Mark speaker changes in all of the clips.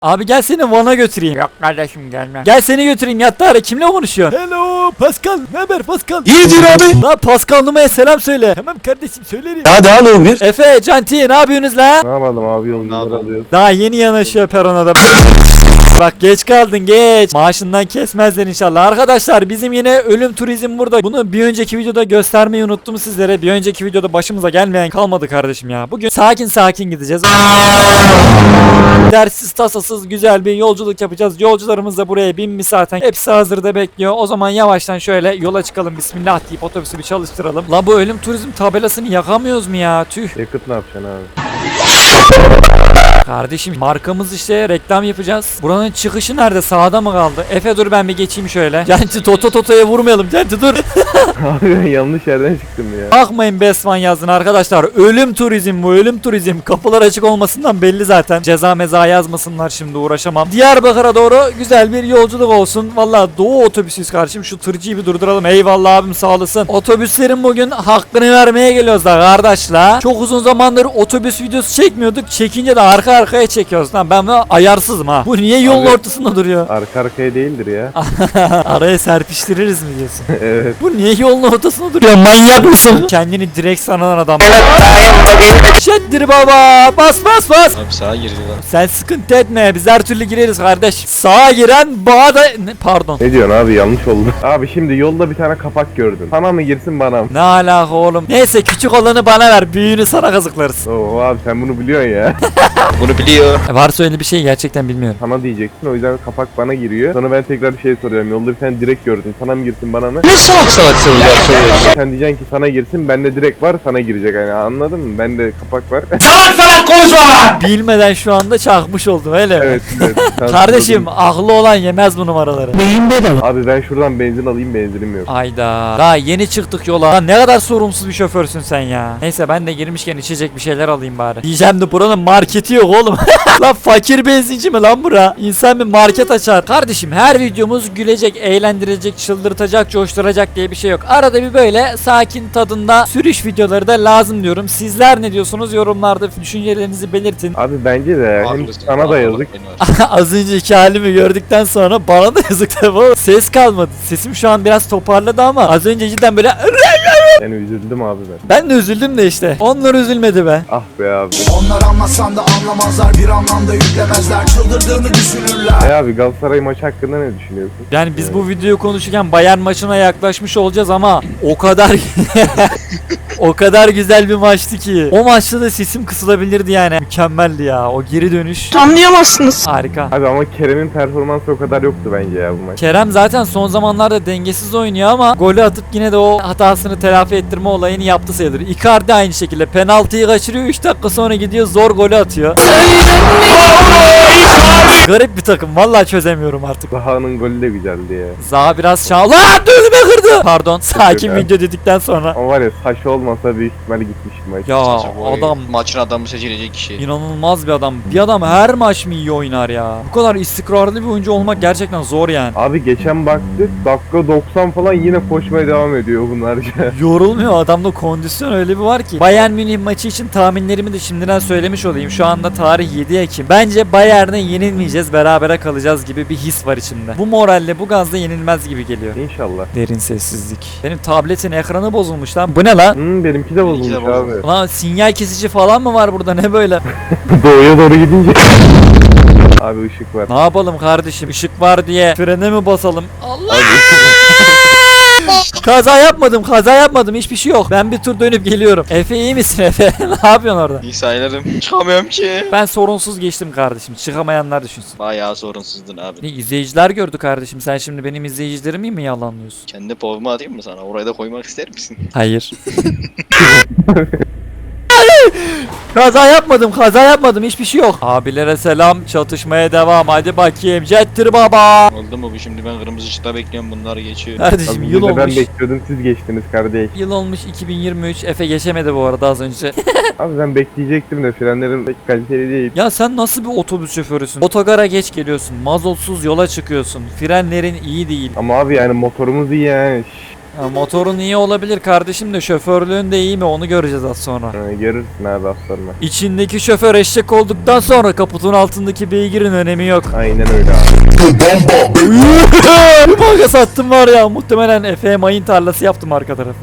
Speaker 1: Abi gel seni Van'a götüreyim. Yok kardeşim gelmem. Gel seni götüreyim yatta ara. Kimle konuşuyorsun?
Speaker 2: Hello Pascal. Ne haber Pascal?
Speaker 3: İyidir abi.
Speaker 1: La Pascal Numa'ya selam söyle.
Speaker 2: Tamam kardeşim söylerim.
Speaker 3: Hadi al bir.
Speaker 1: Efe, Canti ne yapıyorsunuz la?
Speaker 4: Ne yapalım abi yolcuları alıyoruz.
Speaker 1: Daha yeni yanaşıyor perona da. Bak geç kaldın geç. Maaşından kesmezler inşallah. Arkadaşlar bizim yine ölüm turizm burada. Bunu bir önceki videoda göstermeyi unuttum sizlere. Bir önceki videoda başımıza gelmeyen kalmadı kardeşim ya. Bugün sakin sakin gideceğiz. Dersiz tasasız güzel bir yolculuk yapacağız. Yolcularımız da buraya binmiş zaten. Hepsi hazırda bekliyor. O zaman yavaştan şöyle yola çıkalım. Bismillah deyip otobüsü bir çalıştıralım. La bu ölüm turizm tabelasını yakamıyoruz mu ya? Tüh.
Speaker 4: Yakıt ne yapacaksın abi?
Speaker 1: Kardeşim markamız işte reklam yapacağız. Buranın çıkışı nerede? Sağda mı kaldı? Efe dur ben bir geçeyim şöyle. Canti Toto'ya vurmayalım. Canti dur.
Speaker 4: Abi ben yanlış yerden çıktım ya.
Speaker 1: Bakmayın Besman yazdın arkadaşlar. Ölüm turizm bu ölüm turizm. Kapılar açık olmasından belli zaten. Ceza meza yazmasınlar şimdi uğraşamam. Diyarbakır'a doğru güzel bir yolculuk olsun. Valla Doğu otobüsüyüz kardeşim. Şu tırcıyı bir durduralım. Eyvallah abim sağ olasın. Otobüslerin bugün hakkını vermeye geliyoruz da kardeşler. Çok uzun zamandır otobüs videosu çekmiyorduk. Çekince de arka arkaya çekiyoruz. Lan ben buna ayarsızım ha. Bu niye yolun
Speaker 4: Abi-
Speaker 1: ortasında duruyor?
Speaker 4: Arka arkaya değildir ya.
Speaker 1: Araya serpiştiririz mi diyorsun?
Speaker 4: Evet.
Speaker 1: Bu niye yolun ortasında duruyor? Manyak mısın? Kendini direkt sanan adam. Şeddir baba. Bas bas bas.
Speaker 3: Abi sağa girdi lan.
Speaker 1: Sen sıkıntı etme. Biz her türlü gireriz kardeş. Sağa giren bağa da... Pardon.
Speaker 4: Ne diyorsun abi yanlış oldu. Abi şimdi yolda bir tane kapak gördüm. Sana mı girsin bana mı?
Speaker 1: Ne alaka oğlum? Neyse küçük olanı bana ver. Büyüğünü sana kazıklarız.
Speaker 4: Oo abi sen bunu biliyorsun ya.
Speaker 3: Bunu biliyor.
Speaker 1: Varsa öyle bir şey gerçekten bilmiyorum.
Speaker 4: Sana diyeceksin o yüzden kapak bana giriyor. Sonra ben tekrar bir şey soruyorum. Yolda bir tane direkt gördüm. Sana mı girsin bana mı?
Speaker 3: Ne salak salak sorular soruyorsun?
Speaker 4: Sen diyeceksin ki sana girsin. Bende direkt var sana girecek. Yani anladın mı? Bende kapak var.
Speaker 1: Bilmeden şu anda çakmış oldum öyle mi?
Speaker 4: Evet. evet. Sen
Speaker 1: Kardeşim
Speaker 4: sordun.
Speaker 1: aklı olan yemez bu numaraları.
Speaker 4: Abi ben şuradan benzin alayım benzinim yok.
Speaker 1: Ayda. Daha yeni çıktık yola. Lan ne kadar sorumsuz bir şoförsün sen ya. Neyse ben de girmişken içecek bir şeyler alayım bari. Diyeceğim de buranın marketi yok oğlum. Lan fakir benzinci mi lan bura? İnsan bir market açar. Kardeşim her videomuz gülecek, eğlendirecek, çıldırtacak, coşturacak diye bir şey yok. Arada bir böyle sakin tadında sürüş videoları da lazım diyorum. Sizler ne diyorsunuz? Yorumlarda düşüncelerinizi belirtin.
Speaker 4: Abi bence de hem sana da yazık.
Speaker 1: Az önceki halimi gördükten sonra bana da yazık tabii oğlum. Ses kalmadı. Sesim şu an biraz toparladı ama az önce cidden böyle
Speaker 4: Yani üzüldüm abi ben.
Speaker 1: ben de üzüldüm de işte. Onlar üzülmedi be.
Speaker 4: Ah be abi.
Speaker 5: Onlar anlasan da anlamazlar, bir anlamda yüklemezler, çıldırdığını düşünürler.
Speaker 4: Abi Galatasaray maçı hakkında ne düşünüyorsun?
Speaker 1: Yani biz bu videoyu konuşurken Bayern maçına yaklaşmış olacağız ama o kadar o kadar güzel bir maçtı ki. O maçta da sesim kısılabilirdi yani. Mükemmeldi ya. O geri dönüş.
Speaker 6: Anlayamazsınız.
Speaker 1: Harika.
Speaker 4: Abi ama Kerem'in performansı o kadar yoktu bence ya bu maç.
Speaker 1: Kerem zaten son zamanlarda dengesiz oynuyor ama golü atıp yine de o hatasını telafi ettirme olayını yaptı sayılır. Icardi aynı şekilde penaltıyı kaçırıyor 3 dakika sonra gidiyor zor golü atıyor. Garip bir takım vallahi çözemiyorum artık.
Speaker 4: Zaha'nın golü de güzeldi ya.
Speaker 1: Zaha biraz şanslı. Lan önüme kırdı. Pardon sakin
Speaker 4: Yok abi.
Speaker 1: video dedikten sonra.
Speaker 4: Ama var ya saç olmasa büyük ihtimalle gitmişti maç.
Speaker 1: Ya adam
Speaker 3: Maçın adamı seçilecek kişi.
Speaker 1: inanılmaz bir adam. Bir adam her maç mı iyi oynar ya? Bu kadar istikrarlı bir oyuncu olmak gerçekten zor yani.
Speaker 4: Abi geçen baktık dakika 90 falan yine koşmaya devam ediyor bunlar ya.
Speaker 1: Yorulmuyor adamda kondisyon öyle bir var ki. Bayern Münih maçı için tahminlerimi de şimdiden söylemiş olayım. Şu anda tarih 7 Ekim. Bence Bayern'e yenilmeyeceğiz, berabere kalacağız gibi bir his var içimde. Bu moralle, bu gazla yenilmez gibi geliyor.
Speaker 4: İnşallah.
Speaker 1: Derin sessizlik. Benim tabletin ekranı bozulmuş lan. Bu ne lan?
Speaker 4: Benimki de bozulmuş
Speaker 3: Benimki de
Speaker 4: abi.
Speaker 3: bozulmuş.
Speaker 1: Lan sinyal kesici falan mı var burada ne böyle?
Speaker 4: Doğuya doğru gidince. Abi ışık var.
Speaker 1: Ne yapalım kardeşim? Işık var diye frene mi basalım? Allah! Kaza yapmadım. Hiçbir şey yok. Ben bir tur dönüp geliyorum. Efe iyi misin Efe? Ne yapıyorsun orada?
Speaker 3: İyi sayılırım. Çıkamıyorum ki.
Speaker 1: Ben sorunsuz geçtim kardeşim. Çıkamayanlar düşünsün.
Speaker 3: Bayağı sorunsuzdun abi.
Speaker 1: Ne izleyiciler gördü kardeşim. Sen şimdi benim izleyicilerimi mi yalanlıyorsun?
Speaker 3: Kendi povumu atayım mı sana? Oraya da koymak ister misin?
Speaker 1: Hayır. Kaza yapmadım. Hiçbir şey yok. Abilere selam. Çatışmaya devam. Hadi bakayım. Jettir baba.
Speaker 3: Oldu mu bu şimdi ben kırmızı ışıkta bekliyorum bunlar geçiyor.
Speaker 1: Kardeşim
Speaker 4: Abi
Speaker 1: yıl
Speaker 4: bir de ben
Speaker 1: olmuş.
Speaker 4: bekliyordum siz geçtiniz kardeş.
Speaker 1: Yıl olmuş 2023. Efe geçemedi bu arada az önce.
Speaker 4: Abi ben bekleyecektim de frenlerim pek kaliteli değil.
Speaker 1: Ya sen nasıl bir otobüs şoförüsün? Otogara geç geliyorsun. Mazotsuz yola çıkıyorsun. Frenlerin iyi değil.
Speaker 4: Ama abi yani motorumuz iyi yani. Şşş.
Speaker 1: Ya motorun iyi olabilir kardeşim de şoförlüğün de iyi mi onu göreceğiz az sonra.
Speaker 4: Görürsün abi aslanım.
Speaker 1: İçindeki şoför eşek olduktan sonra kaputun altındaki beygirin önemi yok.
Speaker 4: Aynen öyle abi.
Speaker 1: Bir banka sattım var ya, muhtemelen Efe'ye mayın tarlası yaptım arka tarafı.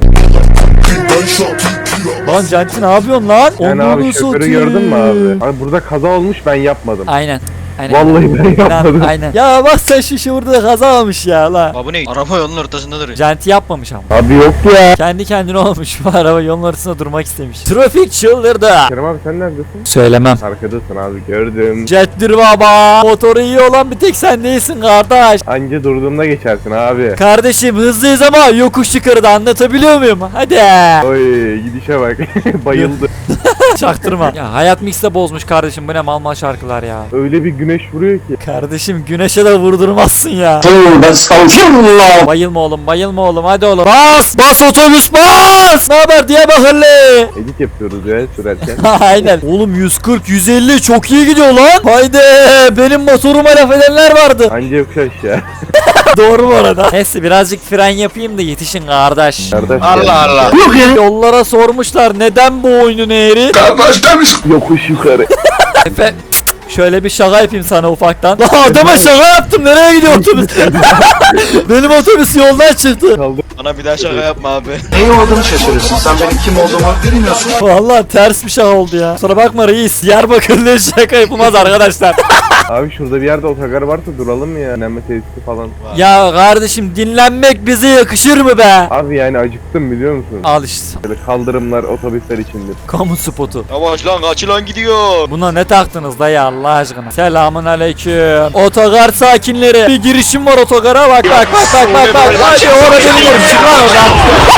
Speaker 1: Lan Canti ne yapıyorsun lan?
Speaker 4: Yani abi
Speaker 1: Onları
Speaker 4: şoförü
Speaker 1: satayım.
Speaker 4: gördün mü abi? Abi burada kaza olmuş ben yapmadım.
Speaker 1: Aynen. Aynen.
Speaker 4: Vallahi ben yapmadım.
Speaker 1: Aynen. Ya bak sen şu burada kaza olmuş ya la.
Speaker 3: Abi bu ne? Araba yolun ortasında duruyor.
Speaker 1: Canti yapmamış ama.
Speaker 4: Abi yok ya.
Speaker 1: Kendi kendine olmuş, bu araba yolun ortasında durmak istemiş. Trafik çıldırdı.
Speaker 4: Kerem abi sen neredesin?
Speaker 1: Söylemem.
Speaker 4: Arkadasın abi gördüm.
Speaker 1: Jettir baba. Motoru iyi olan bir tek sen değilsin kardeş.
Speaker 4: Anca durduğumda geçersin abi.
Speaker 1: Kardeşim hızlıyız ama yokuş yukarıda, anlatabiliyor muyum? Hadi.
Speaker 4: Oy gidişe bak. Bayıldı.
Speaker 1: Çaktırma. Ya hayat mix'te bozmuş kardeşim, bu ne mal mal şarkılar ya.
Speaker 4: Öyle bir güneş vuruyor ki.
Speaker 1: Kardeşim güneşe de vurdurmazsın ya. Bayılma oğlum, bayılma oğlum, hadi oğlum. Bas! Bas otobüs bas! Ne haber Diyarbakırlı?
Speaker 4: Edit yapıyoruz ya sürerken.
Speaker 1: Aynen. Oğlum 140 150 çok iyi gidiyor lan. Haydi benim motoruma laf edenler vardı.
Speaker 4: Anca yokuş aşağı.
Speaker 1: Doğru bu arada. Neyse birazcık fren yapayım da yetişin kardeş.
Speaker 4: Kardeş
Speaker 3: Allah Allah.
Speaker 1: Yollara sormuşlar neden bu oyunun eğri?
Speaker 4: yokuş yukarı.
Speaker 1: Efe şöyle bir şaka yapayım sana ufaktan. Lan adama şaka yaptım, nereye gidiyor otobüs? Benim otobüs yoldan çıktı.
Speaker 4: Kaldı.
Speaker 3: Bana bir daha şaka yapma abi.
Speaker 5: Neyi olduğunu şaşırırsın. Sen benim kim olduğumu bilmiyorsun.
Speaker 1: Vallahi ters bir şaka oldu ya. Sonra bakma reis, Diyarbakırlı şaka yapılmaz arkadaşlar.
Speaker 4: Abi şurada bir yerde otogar varsa duralım mı ya? Dinlenme tesisi falan.
Speaker 1: Ya kardeşim dinlenmek bize yakışır mı be?
Speaker 4: Abi yani acıktım biliyor musun?
Speaker 1: Al işte.
Speaker 4: Böyle kaldırımlar otobüsler içindir.
Speaker 1: Kamu spotu.
Speaker 3: Yavaş lan kaç lan gidiyor.
Speaker 1: Buna ne taktınız dayı Allah aşkına? Selamun aleyküm. Otogar sakinleri. Bir girişim var otogara, bak bak bak bak bak bak. Hadi orada biliyorum, çık lan oradan.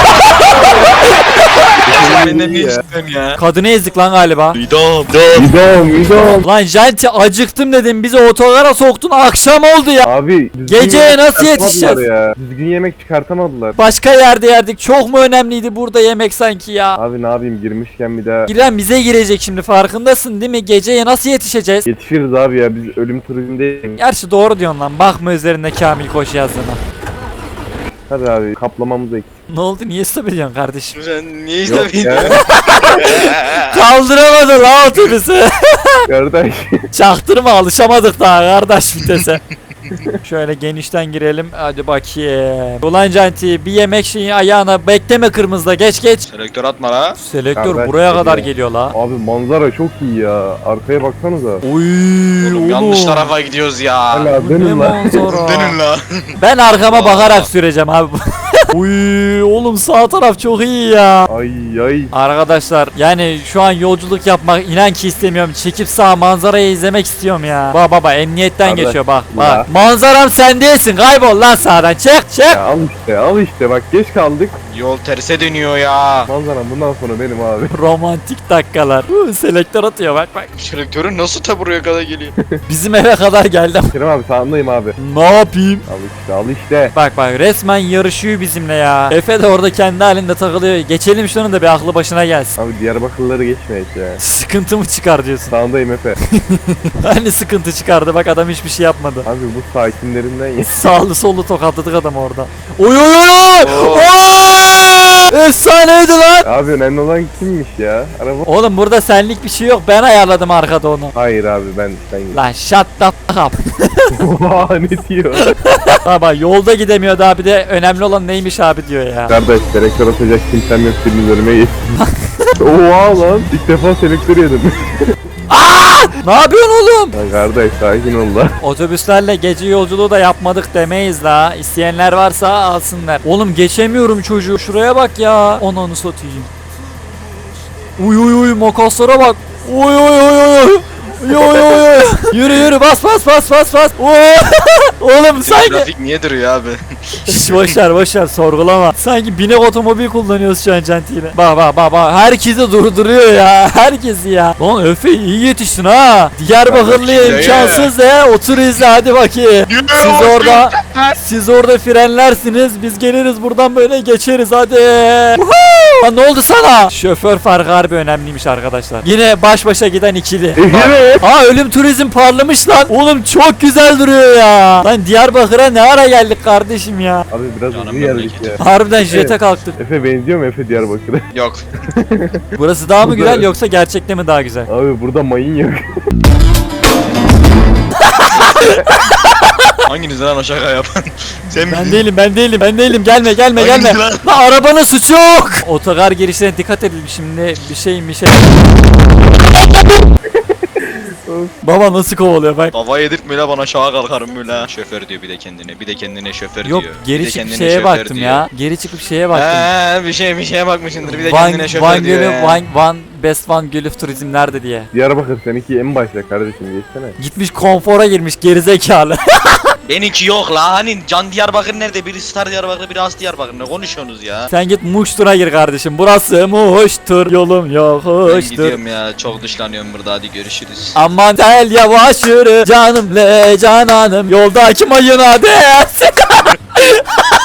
Speaker 3: Benden ne
Speaker 4: Ya.
Speaker 3: istiyorsun ya?
Speaker 1: Kadını ezdik lan galiba.
Speaker 3: İdam.
Speaker 4: İdom.
Speaker 1: Lan Janti acıktım dedim, bizi otogara soktun, akşam oldu ya.
Speaker 4: Abi düzgün
Speaker 1: Geceye
Speaker 4: yemek
Speaker 1: nasıl
Speaker 4: çıkartamadılar
Speaker 1: yetişeceğiz?
Speaker 4: Ya. Düzgün yemek çıkartamadılar.
Speaker 1: Başka yerde yerdik, çok mu önemliydi burada yemek sanki ya?
Speaker 4: Abi ne yapayım girmişken bir daha
Speaker 1: İrem bize girecek şimdi, farkındasın değil mi? Geceye nasıl yetişeceğiz?
Speaker 4: yetişiriz abi ya biz ölüm turizmdeyiz.
Speaker 1: Gerçi doğru diyorsun lan, bakma üzerinde Kamil Koç yazdığına.
Speaker 4: Hadi abi kaplamamız eksik.
Speaker 1: Ne oldu, niye stop ediyorsun kardeşim?
Speaker 3: Sen niye
Speaker 4: Yok
Speaker 3: izlemiyorsun?
Speaker 4: ya.
Speaker 1: Kaldıramadı la otobüsü.
Speaker 4: Kardeş.
Speaker 1: Çaktırma, alışamadık daha kardeş vitese. Şöyle genişten girelim, hadi bakayım. Ulan Canti bir yemek şeyi ayağına, bekleme kırmızıda, geç geç.
Speaker 3: Selektör atma la.
Speaker 1: Selektör
Speaker 4: Kardeş
Speaker 1: buraya kadar
Speaker 4: geliyor.
Speaker 1: geliyor la.
Speaker 4: Abi manzara çok iyi ya. Arkaya baksanıza.
Speaker 1: Oy
Speaker 3: Oğlum yanlış tarafa gidiyoruz ya.
Speaker 4: Hala
Speaker 1: Ne
Speaker 4: dönün lan.
Speaker 1: manzara.
Speaker 3: Dönün la.
Speaker 1: Ben arkama
Speaker 3: Allah.
Speaker 1: bakarak süreceğim abi. Uy oğlum sağ taraf çok iyi ya.
Speaker 4: Ay ay.
Speaker 1: Arkadaşlar yani şu an yolculuk yapmak inan ki istemiyorum. Çekip sağ manzarayı izlemek istiyorum ya. Bak baba emniyetten
Speaker 4: Abi,
Speaker 1: geçiyor bak.
Speaker 4: ya.
Speaker 1: Bak. Manzaram sen değilsin. Kaybol lan sağdan. Çık çık.
Speaker 4: Ya al işte bak geç kaldık.
Speaker 3: Yol terse dönüyor ya.
Speaker 4: Manzaram bundan sonra benim abi.
Speaker 1: Romantik dakikalar. Selektör atıyor bak bak.
Speaker 3: Selektörün nasıl ta buraya kadar geliyor?
Speaker 1: Bizim eve kadar geldim.
Speaker 4: Kerem abi sağındayım abi.
Speaker 1: Ne yapayım?
Speaker 4: Al işte.
Speaker 1: Bak bak resmen yarışıyor bizimle ya. Efe de orada kendi halinde takılıyor. Geçelim şunu da bir aklı başına gelsin.
Speaker 4: Abi Diyarbakırlıları geçmeyek ya.
Speaker 1: Sıkıntı mı çıkar diyorsun?
Speaker 4: Sağındayım Efe.
Speaker 1: Hani sıkıntı çıkardı, bak adam hiçbir şey yapmadı.
Speaker 4: Abi bu sakinlerinden ya.
Speaker 1: Sağlı sollu tokatladık adam orada. Oy oy oy oy!
Speaker 3: Oo.
Speaker 1: Oy! Efsaneydi lan!
Speaker 4: Abi önemli olan kimmiş ya? Araba.
Speaker 1: Oğlum burada senlik bir şey yok, ben ayarladım arkada onu.
Speaker 4: Hayır abi ben
Speaker 1: Lan shut the fuck up.
Speaker 4: Oha ne diyor?
Speaker 1: Baba yolda gidemiyordu abi, de önemli olan neymiş abi diyor ya.
Speaker 4: Kardeş selektör atacak kimsem yok birinin önüme geç. Oha lan ilk defa selektör yedim.
Speaker 1: Ne yapıyorsun oğlum?
Speaker 4: Lan kardeş sakin ol lan.
Speaker 1: Otobüslerle gece yolculuğu da yapmadık demeyiz la. İsteyenler varsa alsınlar. Oğlum geçemiyorum çocuğu. Şuraya bak ya. Onu satayım. Uy uy uy makaslara bak. Uy uy uy uy. Yo yo yo. Yürü yürü bas bas bas bas bas. Oy. Oğlum sanki.
Speaker 3: Trafik niye duruyor abi?
Speaker 1: Şş, boşver sorgulama. Sanki binek otomobil kullanıyoruz şu an Canti'yle. Bak herkesi durduruyor ya. Herkesi ya. Lan Öfe iyi yetiştin ha. Diyarbakırlı'ya
Speaker 3: Kardeşim,
Speaker 1: imkansız ya. Otur izle hadi bakayım. Siz orada frenlersiniz. Biz geliriz buradan böyle geçeriz hadi. Woohoo! Lan ne oldu sana? Şoför farkı harbi önemliymiş arkadaşlar. Yine baş başa giden ikili.
Speaker 4: Evet.
Speaker 1: Aa ölüm turizm parlamış lan. Oğlum çok güzel duruyor ya. Lan Diyarbakır'a ne ara geldik kardeşim ya.
Speaker 4: Abi biraz
Speaker 3: Canım
Speaker 4: hızlı geldik
Speaker 3: memleket.
Speaker 4: ya.
Speaker 1: Harbiden jete kalktık.
Speaker 4: Efe benziyor mu Efe Diyarbakır'a?
Speaker 3: Yok.
Speaker 1: Burası daha mı
Speaker 4: Bu da-
Speaker 1: güzel yoksa gerçekte mi daha güzel?
Speaker 4: Abi burada mayın yok.
Speaker 3: Hanginiz lan o şaka yapan? Sen
Speaker 1: Ben
Speaker 3: misin?
Speaker 1: değilim gelme gelme.
Speaker 3: Hangisi lan?
Speaker 1: Lan arabanın suçu yok. Otogar girişlerine dikkat edin şimdi bir şey. Baba nasıl kovalıyor bak.
Speaker 3: Kafa yedirtme la bana şaha kalkarım böyle. Şoför diyor bir de kendine şoför
Speaker 1: Yok
Speaker 3: diyor.
Speaker 1: geri
Speaker 3: Bir de
Speaker 1: çıkıp
Speaker 3: kendine
Speaker 1: şeye
Speaker 3: şoför
Speaker 1: baktım
Speaker 3: diyor.
Speaker 1: ya. Geri çıkıp şeye baktım.
Speaker 3: Bir şeye bakmışsındır bir de kendine şoför
Speaker 1: Van
Speaker 3: diyor
Speaker 1: Gölü,
Speaker 3: ya.
Speaker 1: Van Best Van Gölü turizm nerede diye.
Speaker 4: Diyarbakır seninki en başta kardeşim geçsene.
Speaker 1: Gitmiş konfora girmiş gerizekalı.
Speaker 3: Benimki yok la hani Can Diyarbakır nerede? Biri Star Diyarbakır biri As Diyarbakır ne konuşuyorsunuz ya?
Speaker 1: Sen git Muştur'a gir kardeşim. Burası Muştur. Yolum
Speaker 3: Ben
Speaker 1: yokuştur.
Speaker 3: gidiyorum ya çok dışlanıyorum burada hadi görüşürüz.
Speaker 1: Aman tel yavaş yürü canım le cananım yoldaki mayına değersin.